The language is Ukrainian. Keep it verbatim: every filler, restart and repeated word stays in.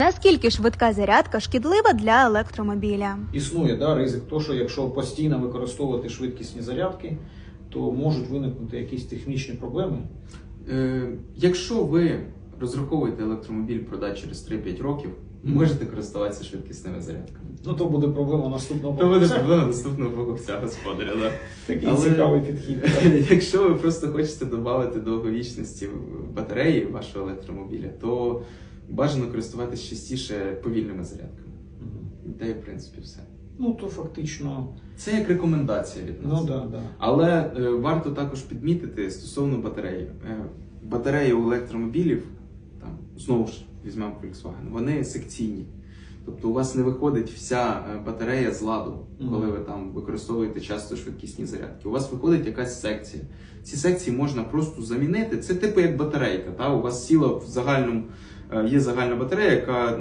Наскільки швидка зарядка шкідлива для електромобіля? Існує да, ризик того, що якщо постійно використовувати швидкісні зарядки, то можуть виникнути якісь технічні проблеми. Е, якщо ви розраховуєте електромобіль продати через три-п'ять років, Мгм. можете користуватися швидкісними зарядками. Ну то буде проблема наступного То буде покупця. проблема наступного покупця господаря. Да? Такий Але- цікавий підхід. Якщо ви просто хочете додати довговічності в батареї вашого електромобіля, то бажано користуватися частіше повільними зарядками. Мгм. Та й в принципі все. Ну то фактично, Це як рекомендація від нас. ну да, да. Але е, варто також підмітити стосовно батареї. Е, батареї у електромобілів, там, знову ж візьмемо Volkswagen, вони секційні. Тобто у вас не виходить вся е, батарея з ладу, коли ви там використовуєте часто швидкісні зарядки. У вас виходить якась секція. Ці секції можна просто замінити. Це типу як батарейка. Та? У вас сіла в загальному, е, є загальна батарея, яка